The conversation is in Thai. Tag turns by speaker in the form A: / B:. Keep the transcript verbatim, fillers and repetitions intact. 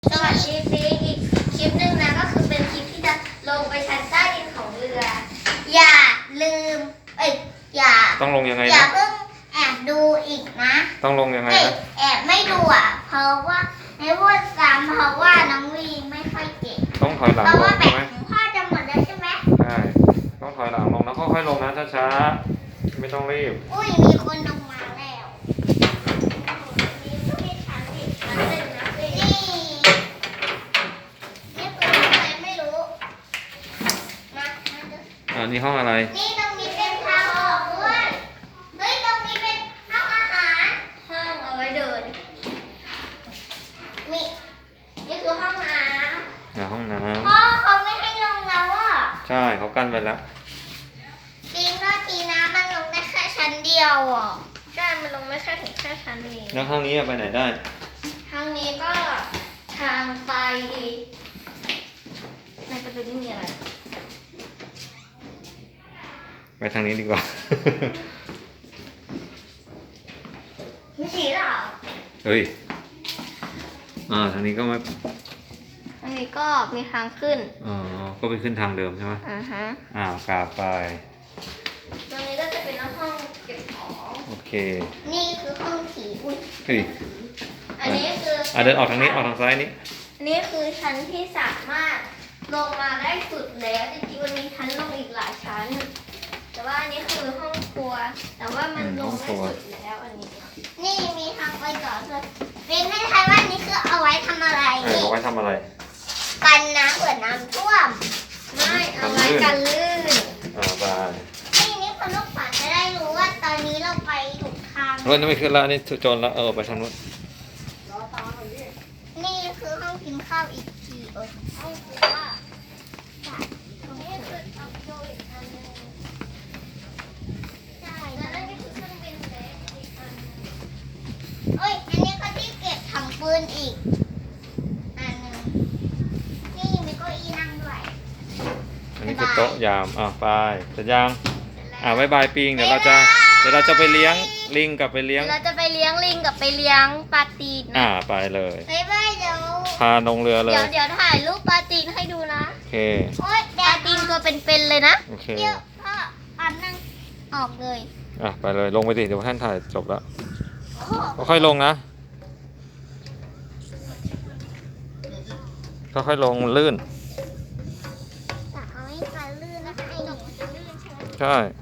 A: สวัสดีปีอีกคลิปหนึ่งนะก็คือเป็นคลิปที่จะลงไปชั้นใต้ดินของเรือ อย่าลืมเอ้ยอย่า
B: ต้องลงยังไง
A: อย่า
B: นะ
A: เพิ่งแอบดูอีกนะ
B: ต้องลงยังไง
A: เอ้ย
B: นะ
A: แอบไม่ดูอ่ะเพราะว่าในพูดซ้ำเพราะว่าน้องวีไม่ค่อยเก่ง
B: ต้องถอยหลัง
A: เพราะ
B: ล
A: ว่าง แบ
B: ใช่
A: บ
B: ไหม
A: ของพ่อจะหมดแล้วใช่ไหม
B: ใช่ต้องถอยหลังลงแล้วค่อยๆลงนะช้าๆไม่ต้องรีบ
A: อุ้ยมีคนลงมาแล้วมีผู้ที่ชั้นอีกชั้นหนึ่งนะนี่นี่คืออะไรไม่รู้มามาดู
B: อ่านี่ห้องอะไร
A: นี่ตรงนี้เป็นทางออกด้วยเฮ้ยตรงนี้เป็นห้องอาหารห้องเอาไว้เดินนี่นี่คือห้องน้
B: อ่าห้องน้
A: ำพ่อเขาไม่ให้ลงแล้วอ่ะ
B: ำใช่เขากั้นไปแล้ว
A: จริงก็ทีน้ำมันลงได้แค่ชั้นเดียวอ่ะใช่มันลงไม่แค่ถึงแค่ชั้นเอง
B: แล้วห้องนี้ไปไหนได้
A: ทางนี้ก็ทางไปมันจะเป็นนี่อะไร
B: ไปทางนี้ดีกว่า
A: ไม่ใช่หรอ
B: เฮ้ยอ่าทางนี้ก็ไม่
A: ทางนี้ก็มีทางขึ้น
B: อ๋อก็ไปขึ้นทางเดิมใช่ไหม
A: อ่าฮะ
B: อ่าวกราบไป
A: ตรงนี้ก็จะเป็นห้องเก็บของ
B: โอเค
A: นี่คือห้องผีอุ้ย
B: เฮ้ย
A: อันนี้คือ
B: อ่าเดินออกทางนี้ออกทางซ้ายนี้
A: อันนี้คือชั้นที่สามารถลงมาได้สุดแล้วจริงๆมันมีชั้นลงอีกหลายชั้น แต่ว่าอันนี้คือห้องครัว แต่ว่ามันลงได้สุดแล้วอันนี้ นี่มีทางไปต่อด้วยเป็นให้ทายว่านี่คือเอาไว้ทำอะไร
B: เออ
A: นี่
B: เอาไว้ทำอะไร
A: กันน้ำเผื่อน้ำท่วม ไม่เอาไว้กันลื่น
B: อ่าไป
A: นี่นี่คนลูกฝันจะได้รู้ว่าตอนนี้เราไปถูกทาง
B: รถนี่ไม่ขึ้นแล้วนี่โจรแล้วเออไปทางนู้น
A: นี่คือห้องกินข้าวอีกทีเออห้องครัวนี่คือทำโดอีกอันนึงใช่แล้วนั่นก็คือเครื่องบินเล็กอีกอันนึงเอ้ยอันนี้ก็ที่เก็บถังปืนอีกอันนึงนี่มีเก้าอี้นั่งด้วย
B: อันนี้คือโต๊ะยามอ่าไปเสร็จยังอ่าบายบายปิงเดี๋ยวเราจะเดี๋ยวเราจะไปเลี้ยงลิงกับไปเลี้ยง
A: เราจะไปเลี้ยงลิงกับไปเลี้ยงปลาตีน
B: อ่า
A: นะ
B: ไปเลย
A: บ๊ายบายเดี๋ยว
B: พาลงเรือเล
A: เดี๋ย
B: ยว
A: เดี๋ยวถ่ายรูปปลาตีนให้ดูนะ
B: โอเค
A: โอ๊ยปลาตีนตัวเป็นๆเลยนะ
B: โอเค
A: เดี๋ยวพ่อปันนั่งออกเลย
B: อ่ะไปเลยลงไปดิเดี๋ยวท่านถ่ายจบแล้ว
A: โอ้
B: ค่อยๆลงนะค่อยๆลงลื่น
A: แต่เอาให้ปลาลื่นนะคะไอ้หนูมันจะลื่นใช่ไหม
B: ใช่